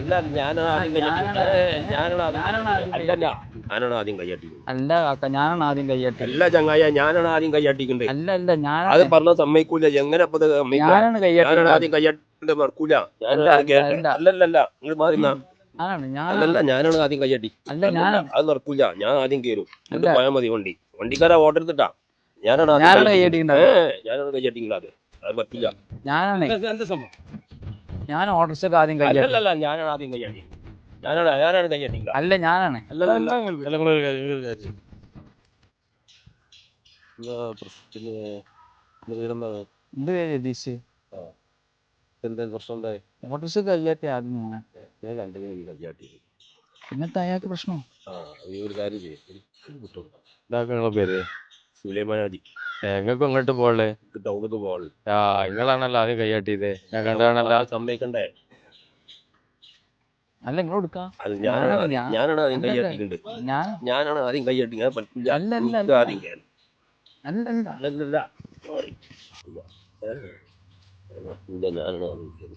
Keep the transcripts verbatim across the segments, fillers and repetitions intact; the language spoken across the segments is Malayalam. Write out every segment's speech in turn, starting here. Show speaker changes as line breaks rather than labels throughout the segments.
അല്ല ഞാനാണ് ആദ്യം കയ്യട്ടി അല്ലല്ല ഞാനാണ് ആദ്യം കയ്യട്ടി
അല്ല കാക്ക ഞാനാണ് ആദ്യം കയ്യട്ടി
അല്ല ചങ്ങായ ഞാനാണ് ആദ്യം കയ്യട്ടിക്കണ്ടേ
അല്ല അല്ല ഞാൻ
അത് പറഞ്ഞ സമ്മതിക്കൂല എങ്ങനെ
ഞാനാണ് കയ്യട്ടി
ഞാനാണ് ആദ്യം കയ്യട്ടിന്റെ മറക്കൂല അല്ലല്ല നിങ്ങൾ മാറിന്ന അല്ലല്ല ഞാനാണ് ആദ്യം കയ്യട്ടി
അല്ല ഞാൻ
അത് നടക്കൂല ഞാൻ ആദ്യം കയറും എന്നിട്ട് പോയാൽ മതി വണ്ടി വണ്ടിക്കാരാ ഓർഡർ എടുത്തിട്ടാ ഞാനാണ്
ഞാനാണ് കയ്യട്ടി
ഞാനാണ് കയ്യട്ടിങ്ങള അത് അത് പറ്റില്ല
ഞാനാണ്
എന്താ സംഭവം
ഞാൻ ഓർഡർസൊക്കെ ആദ്യം കയ്യട്ടി
അല്ലല്ല ഞാനാണ് ആദ്യം കയ്യട്ടി ഞാനാണ് ഞാനാണ് കയ്യട്ടിങ്ങള
അല്ല ഞാനാണ് എന്ത് പേര് രതീഷ്
എന്താ പ്രശ്നം ഉണ്ടായി
ഓർഡർസ് കയ്യട്ടി ആദ്യം ഞാൻ
ഞാൻ രണ്ടു കയ്യാട്ടി
പിന്നത്തെ അയാൾക്ക് പ്രശ്നം
ആ ഈ ഒരു കാര്യം ചെയ്യും പേര് സുലൈമാനാജി
എങ്ങക്കും ഇങ്ങോട്ട് പോളേ
ടൗണിലേക്ക് പോകാൻ
ആ നിങ്ങളാണല്ലോ ആദ്യം കൈയാട്ടിയത് ഞാൻ കണ്ടാണല്ലോ
സമ്മതിക്കണ്ടേ
അല്ല നിങ്ങൾ കൊടുക്കാം
അത് ഞാനാണ് ഞാനാണ് ആദ്യം കൈയാട്ടിയിട്ടുണ്ട്
ഞാൻ
ഞാനാണ് ആദ്യം കൈയാട്ടി ഞാൻ പറ്റില്ല
അല്ല അല്ല
എനിക്ക് ആദ്യം കയറി
അല്ലല്ല
അല്ലല്ല ഇല്ല ഞാനാണ് ആദ്യം കയറി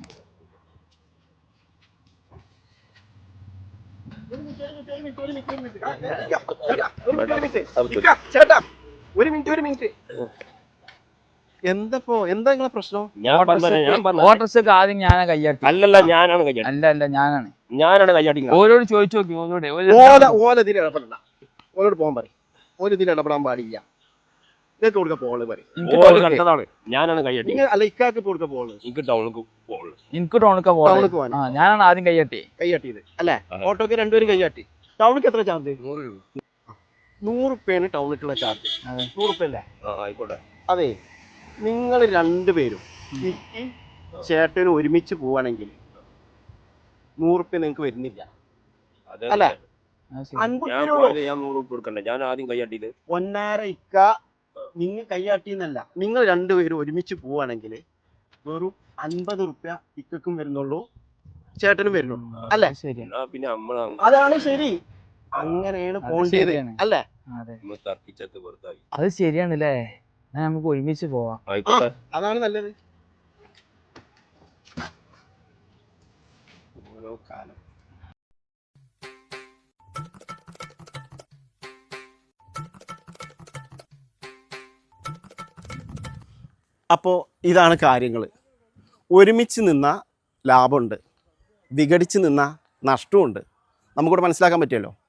ചേട്ടാ ഒരു മിനിറ്റ് ഒരു മിനിറ്റ് എന്തപ്പോ എന്താ നിങ്ങളെ പ്രശ്നം
ഓർഡർസൊക്കെ ആദ്യം ഞാനാ കയ്യാട്ടി
അല്ലല്ല ഞാനാണ് കയ്യാട്ടി
അല്ല അല്ല ഞാനാണ്
ഞാനാണ് കയ്യാട്ടി
ഓരോട് ചോദിച്ചു നോക്കി ഓരോട്
ഓല ഓല ഇതിൽ ഇടപെടണ്ട ഓലോട് പോകാൻ പറയും ഓല ഇതിൽ ഇടപെടാൻ പാടില്ല ഇതൊക്കെ കൊടുക്ക പോള് പറയും
ഞാനാണ് കയ്യാട്ടി
അല്ല ഇക്കാക്ക് കൊടുക്ക പോള്
എനിക്ക് ടൗണിലേക്ക് പോകുള്ളൂ
എനിക്ക് ടൗണിക്ക്
ടൗണിക്ക് പോകാൻ
ഞാനാണ് ആദ്യം കയ്യാട്ടി
കയ്യാട്ടിയത് അല്ലേ ഓട്ടോക്ക് രണ്ടുപേരും കയ്യാട്ടി ടൗണിക്ക് എത്ര ചാർജ് നൂറ് റുപ്യാണ് ടൗണിലേക്കുള്ള ചാർജ് നൂറ് റുപ്യ അല്ലേ
ആയിക്കോട്ടെ
അതെ നിങ്ങൾ രണ്ടുപേരും ഇക്ക് ചേട്ടനും ഒരുമിച്ച് പോവാണെങ്കിൽ നൂറ് റുപ്യ നിങ്ങൾക്ക് വരുന്നില്ല അല്ലേ
ഞാൻ ആദ്യം കയ്യാട്ടിയത്
ഒന്നര ഇക്ക നിങ്ങൾ കയ്യാട്ടിന്നല്ല നിങ്ങൾ രണ്ടുപേരും ഒരുമിച്ച് പോവാണെങ്കിൽ വെറും അൻപത് റുപ്യ ഇക്കും വരുന്നുള്ളൂ ചേട്ടനും വരുന്നുള്ളൂ അല്ലേ
പിന്നെ
അതാണ് ശരി അങ്ങനെയാണ് പോണ്ടത് അല്ലേ
അത് ശരിയാണല്ലേ നമുക്ക് ഒരുമിച്ച് പോവാം
അതാണ് നല്ലത് ഓരോ കാലം അപ്പോൾ ഇതാണ് കാര്യങ്ങൾ ഒരുമിച്ച് നിന്ന ലാഭമുണ്ട് വിഘടിച്ച് നിന്ന നഷ്ടമുണ്ട് നമുക്കിവിടെ മനസ്സിലാക്കാൻ പറ്റുമല്ലോ